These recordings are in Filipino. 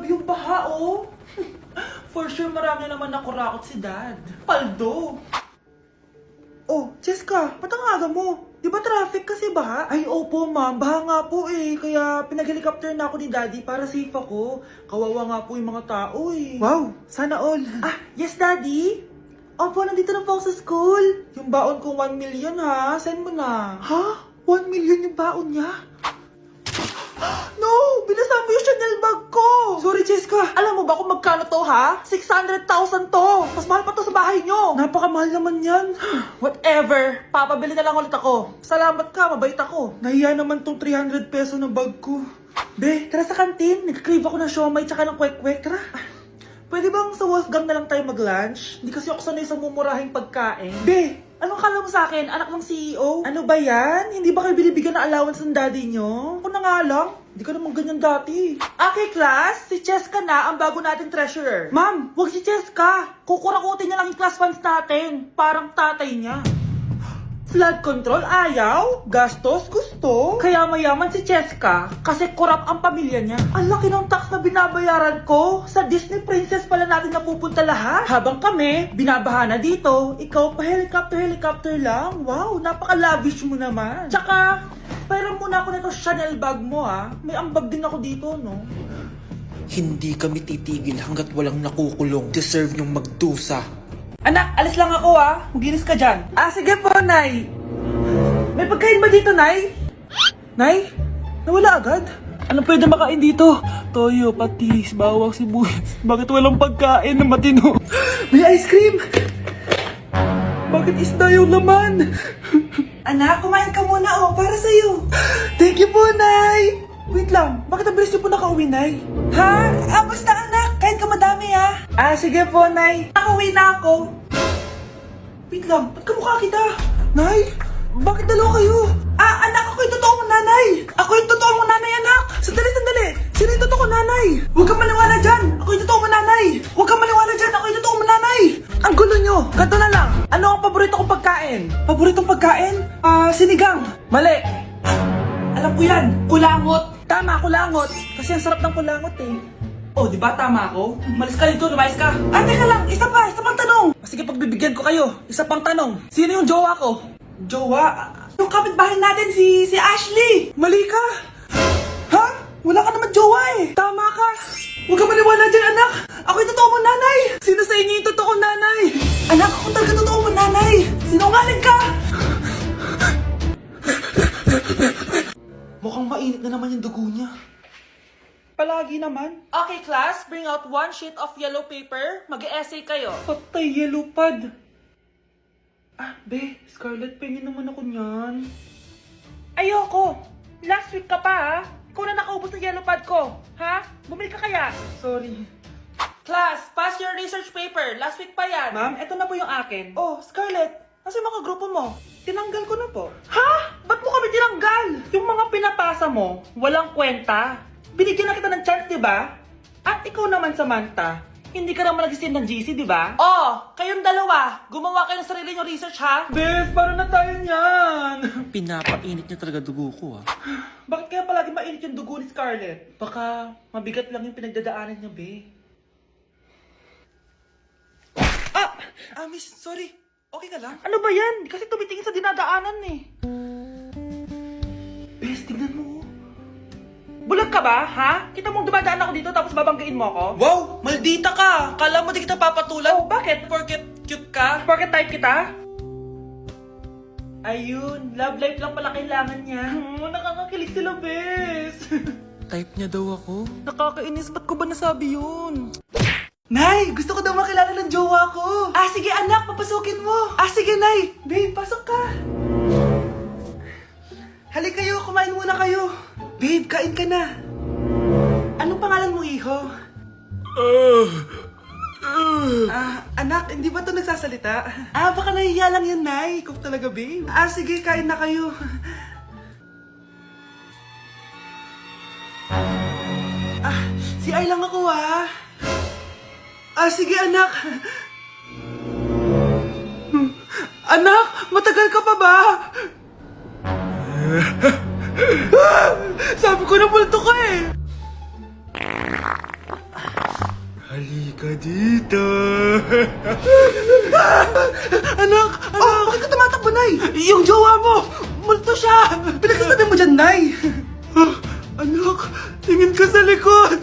Grabe yung baha, oh. For sure, marami naman nakurakot si Dad. Paldo. Oh, Cheska, ba't ang aga mo? Di ba traffic kasi baha? Ay, opo ma'am, baha nga po eh. Kaya pinag-helicopter na ako ni Daddy para safe ako. Kawawa nga po yung mga tao eh. Wow, sana all. Ah, yes Daddy? Opo, nandito na po ako sa school. Yung baon kong 1 million ha, send mo na. Ha? 1 million yung baon niya? No! Binasa mo yung Chanel bag ko! Sorry, Cheska. Alam mo ba kung magkano to, ha? 600,000 to! Mas mahal pa to sa bahay nyo! Napakamahal naman yan. Whatever. Papabili na lang ulit ako. Salamat ka, mabait ako. Nahiya naman tong 300 peso ng bag ko. Be, tara sa kantin. Nag-crave ako ng siomay tsaka ng kwek-kwek. Tara. Pwede bang sa Wolfgang na lang tayo mag-lunch? Hindi kasi ako sanay sa mumurahing pagkain. Be, anong kala mo sa akin? Anak ng CEO? Ano ba yan? Hindi ba kayo binibigyan ng allowance ng daddy nyo? Ako na nga lang. Hindi ka naman ganyan dati. Okay, class. Si Cheska na ang bago nating treasurer. Ma'am, wag si Cheska. Kukurakutin niya lang yung class funds natin. Parang tatay niya. Flood control, ayaw. Gastos, gusto. Kaya mayaman si Cheska kasi korap ang pamilya niya. Ang laki ng tax na binabayaran ko. Sa Disney Princess pala natin napupunta lahat. Habang kami, binabaha na dito. Ikaw pa helicopter lang. Wow, napaka-lavish mo naman. Tsaka, pairam muna ako nito Chanel bag mo ha. May ambag din ako dito, no? Hindi kami titigil hanggat walang nakukulong. Deserve niyong magdusa. Anak, alis lang ako ha. Maginis ka dyan. Ah, sige po, Nay. May pagkain ba dito, Nay? Nay? Nawala agad? Ano pwede makain dito? Toyo, patis, bawang, sibuyas. Bakit walang pagkain na matino? May ice cream! Bakit isda yung laman? Anak, kumain ka muna para sa'yo. Thank you po, Nay! Wait lang, bakit ang bilis niyo po nakauwi, Nay? Ha? Basta anak, kahit ka madami ha. Ah, sige po, Nay. Nakauwi na ako. Wait lang, ba't kamukha kita? Nay, bakit dalawa kayo? Anak, ako yung totoo mong nanay. Ako yung totoo mong nanay, anak. Sandali. Sino yung totoo kong nanay? Huwag kang maniwala dyan. Ako yung totoo mong nanay. Huwag kang maniwala dyan. Ako yung totoo mong nanay. Ang gulo nyo. Ganto na lang. Ano ang paborito kong pagkain? Paboritong pagkain? Sinigang. Mali. Alam ko yan. Kulangot. Tama, kulangot. Kasi ang sarap ng kulangot eh. Oh, di ba tama ako? Malis ka dito, lumayas ka. Teka lang, isa pang tanong. Sige, pagbibigyan ko kayo. Isa pang tanong. Sino yung jowa ko? Jowa? Yung kapitbahay natin, si Ashley. Mali ka. Ha? Wala ka naman jowa eh. Tama ka. Huwag ka maniwala dyan, anak. Ako yung totoo mong nanay. Sino sa inyo yung totoo nanay? Anak, ako talaga totoo mong nanay. Sinungaling ka. Mukhang mainit na naman yung dugo niya. Palagi naman. Okay, class. Bring out 1 sheet of yellow paper. Mag-essay kayo. Patay, yellow pad. Be, Scarlett, pengin naman ako niyan. Ayoko. Last week ka pa, ha? Ikaw na nakaubos ng yellow pad ko. Ha? Bumili ka kaya? Sorry. Class, pass your research paper. Last week pa yan. Ma'am, eto na po yung akin. Oh, Scarlett. Nasa yung mga grupo mo? Tinanggal ko na po. Ha? Ba't mo kami tinanggal? Yung mga pinapasa mo, walang kwenta. Binigyan na kita ng chance, di ba? At ikaw naman, Samantha, hindi ka naman nag-send ng GC, di ba? Oh, kayong dalawa, gumawa kayo ng sarili nyo research, ha? Bes, paano na tayo niyan? Pinapainit niya talaga dugo ko Bakit kaya palagi mainit yung dugo ni Scarlett? Baka mabigat lang yung pinagdadaanan niya, be. Miss, sorry. Okay ka lang? Ano ba yan? Kasi tumitingin sa dinadaanan eh. Bes, tignan mo. Bulag ka ba, ha? Kita mong dumadaan ako dito tapos babanggain mo ako? Wow! Maldita ka! Kala mo di kita papatulan? Oh, bakit? Porket cute ka? Porket type kita? Ayun, love life lang pala kailangan niya. Nakakakilig sila, bes. Type niya daw ako. Nakakainis, ba't ko ba nasabi yun? Nay, gusto ko daw makilala ng jowa ko. Sige anak, papasukin mo. Sige Nay. Babe, pasok ka. Halika kayo, kumain muna kayo. Babe, kain ka na. Anong pangalan mo, iho? Anak, hindi ba ito nagsasalita? Baka nahihiya lang yan, Nay. Ikaw talaga, babe. Sige, kain na kayo. Si Ay lang ako, sige, anak. Anak, matagal ka pa ba? Sabi ko na multo ka eh. Halika dito. Anak! Oh, bakit ka tumatakbo, Nay? Yung jowa mo! Multo siya! Pinagsasabi mo dyan, Nay! Anak, tingin ka sa likod!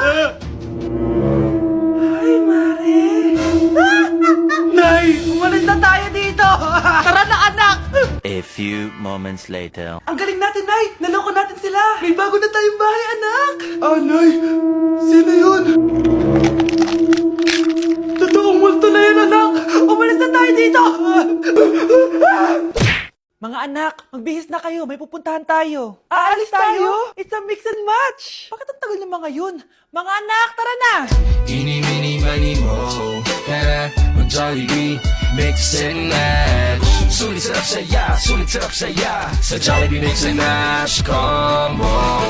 Ay, Mare! Nay, umalis na tayo dito! Tara na, anak! A few moments later. Ang galing natin, Nay! Naloko natin sila! May bago na tayong bahay, anak! Ah, Nay! Sino yun? Totoong multo na yan, anak! Umalis na tayo dito! Mga anak, magbihis na kayo. May pupuntahan tayo. Aalis tayo? It's a mix and match. Bakit ang tagal ng mga yun? Mga anak, tara na! Eeny, meeny, miny, mo. Tara, mag-Jollibee, mix and match. Sulit sarap saya. Sa Jollibee, mix and match combo.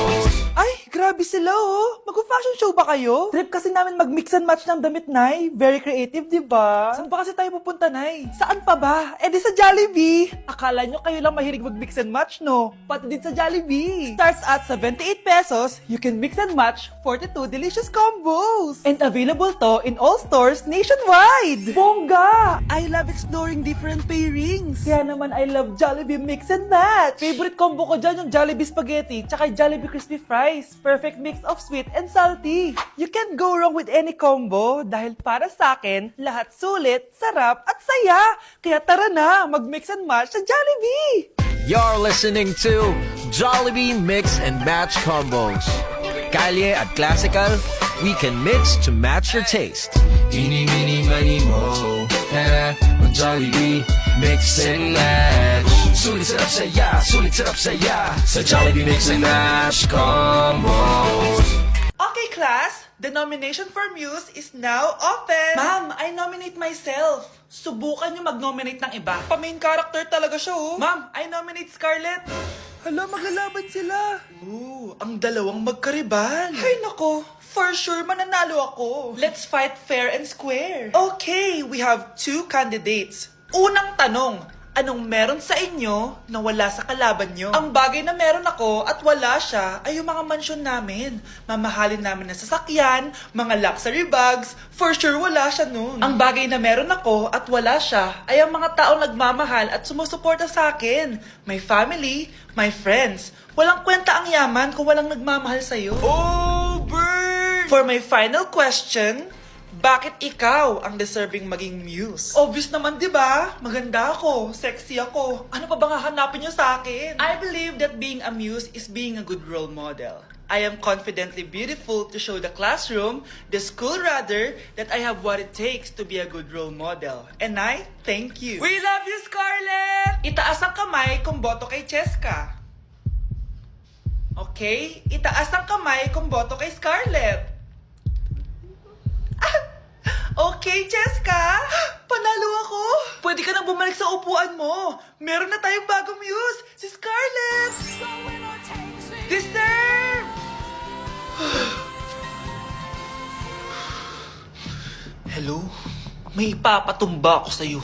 Ay, grabe sila oh. Mag-fashion show ba kayo? Trip kasi namin mag-mix and match ng damit, Nay. Very creative, di ba? Saan pa kasi tayo pupunta, Nay? Saan pa ba? Eh di sa Jollibee. Akala nyo kayo lang mahilig mag-mix and match, no? Pati din sa Jollibee. Starts at 78 pesos, you can mix and match 42 delicious combos. And available to in all stores nationwide. Bongga! I love exploring different pairings. Kaya naman I love Jollibee Mix and Match. Favorite combo ko dyan yung Jollibee Spaghetti tsaka Jollibee Crispy Fries. Perfect mix of sweet and salty. You can't go wrong with any combo dahil para sa akin, lahat sulit, sarap at saya. Kaya tara na, mag-mix and match sa Jollibee! You're listening to Jollibee Mix and Match Combos. Kalye at Classical, we can mix to match your taste. Eeny, meeny, miny, mo. Tara, mag-Jollibee, mix and match. Sulit sarap saya. Sa Jollibee Mix and Match Combos. Okay, class. The nomination for Muse is now open. Ma'am, I nominate myself. Subukan niyo mag-nominate ng iba. Pa-main character talaga siya, oh. Ma'am, I nominate Scarlett. Hala, maglalaban sila. Ooh, ang dalawang magkaribal. Ay, nako. For sure, mananalo ako. Let's fight fair and square. Okay, we have 2 candidates. Unang tanong, anong meron sa inyo na wala sa kalaban nyo? Ang bagay na meron ako at wala siya ay yung mga mansyon namin. Mamahalin namin na sasakyan, mga luxury bags, for sure wala siya nun. Ang bagay na meron ako at wala siya ay ang mga taong nagmamahal at sumusuporta sa akin. My family, my friends. Walang kwenta ang yaman kung walang nagmamahal sa'yo. Oh, burn! For my final question, bakit ikaw ang deserving maging muse? Obvious naman, di ba? Maganda ako, sexy ako. Ano pa bang hahanapin niyo sa akin? I believe that being a muse is being a good role model. I am confidently beautiful to show the classroom, the school rather, that I have what it takes to be a good role model. And I thank you. We love you, Scarlett! Itaas ang kamay kung boto kay Cheska. Okay? Itaas ang kamay kung boto kay Scarlett. Okay, Cheska! Panalo ako! Pwede ka nang bumalik sa upuan mo! Meron na tayong bagong muse! Si Scarlett! Deserve! Hello? May ipapatumba ako sa'yo.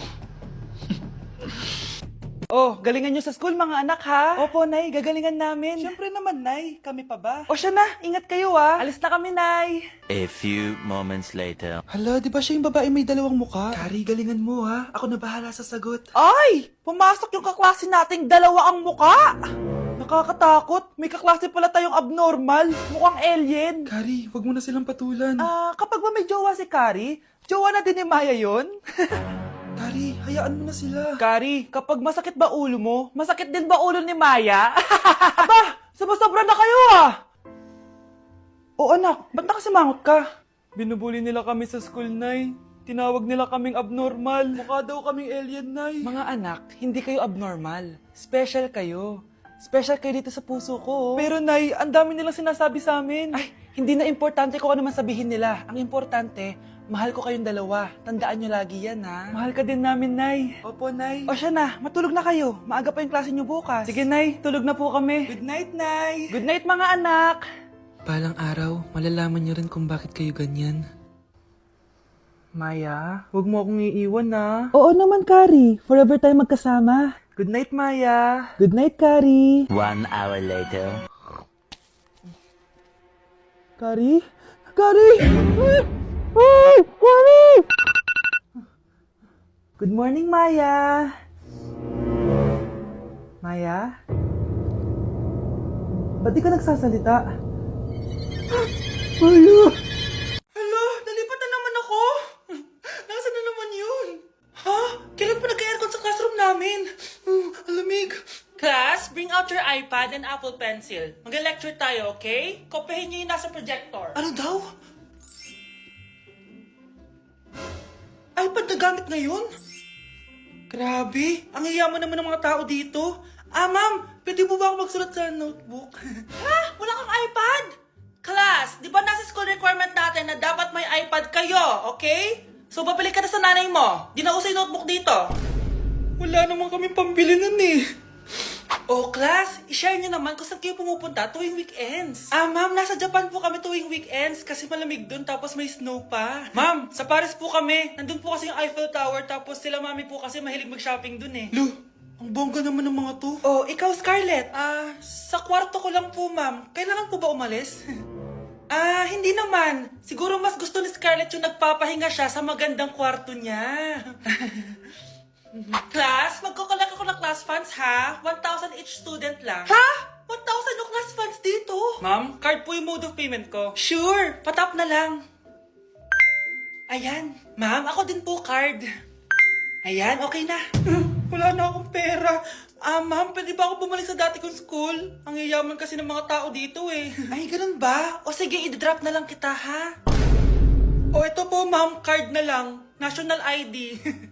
Oh, galingan nyo sa school mga anak ha? Opo, Nay, gagalingan namin. Siyempre naman, Nay. Kami pa ba? O siya na, ingat kayo ha. Alis na kami, Nay. A few moments later. Hala, di ba siya yung babae may dalawang muka? Kari, galingan mo ha. Ako na bahala sa sagot. Ay! Pumasok yung kaklase nating dalawa ang muka! Nakakatakot. May kaklase pala tayong abnormal. Mukhang alien. Kari, wag mo na silang patulan. Kapag ba may jowa si Kari, jowa na din ni Maya yun? Kari, hayaan mo na sila. Kari, kapag masakit ba ulo mo, masakit din ba ulo ni Maya? Aba, sobra na kayo ah! O anak, ba't nakasimangot ka? Binubuli nila kami sa school, Nay. Tinawag nila kaming abnormal. Mukha daw kaming alien, Nay. Mga anak, hindi kayo abnormal. Special kayo. Special kayo dito sa puso ko. Pero Nay, ang dami nilang sinasabi sa amin. Ay, hindi na importante kung ano man sabihin nila. Ang importante, mahal ko kayong dalawa. Tandaan nyo lagi yan, ha? Mahal ka din namin, Nay. Opo, Nay. O siya na, matulog na kayo. Maaga pa yung klase nyo bukas. Sige, Nay, tulog na po kami. Good night, Nay. Good night, mga anak. Balang araw, malalaman niyo rin kung bakit kayo ganyan. Maya, huwag mo akong iiwan, na. Oo naman, Kari. Forever tayo magkasama. Good night, Maya. Good night, Kari. 1 hour later. Kari? Kari! Good morning, Maya. Maya? Ba't di ka nagsasalita? Maya! Hala, nalipat na naman ako. Nasaan na naman yun? Ha? Kailan pa nagka-aircon sa classroom namin? Alamig. Class, bring out your iPad and Apple Pencil. Mag-lecture tayo, okay? Kopyahin niyo yung nasa projector. Ano daw? iPad na gamit ngayon? Grabe, ang yayaman naman ng mga tao dito. Ma'am, pwede mo ba ako magsulat sa notebook? Ha? Wala kang iPad? Class, di ba nasa school requirement natin na dapat may iPad kayo, okay? So, babalik ka na sa nanay mo. Di na uso yung notebook dito. Wala naman kami pambili nun eh. Oh, class, i-share nyo naman kung saan kayo pumupunta tuwing weekends. Ma'am, nasa Japan po kami tuwing weekends kasi malamig dun tapos may snow pa. Ma'am, sa Paris po kami. Nandun po kasi yung Eiffel Tower tapos sila mami po kasi mahilig mag-shopping dun eh. Lu, ang bongga naman ng mga to. Oh, ikaw Scarlett. Sa kwarto ko lang po, ma'am. Kailangan po ba umalis? Hindi naman. Siguro mas gusto ni Scarlett yung nagpapahinga siya sa magandang kwarto niya. Class, magkukulak ako ng class funds ha? 1,000 each student lang. Ha? 1,000 yung class funds dito? Ma'am, card po yung mode of payment ko. Sure, patap na lang. Ayan. Ma'am, ako din po card. Ayan, okay na. Wala na akong pera. Ma'am, pwede ba ako bumalik sa dati kong school? Ang yayaman kasi ng mga tao dito eh. Ay, ganun ba? O sige, i-drop na lang kita ha? O ito po ma'am, card na lang. National ID.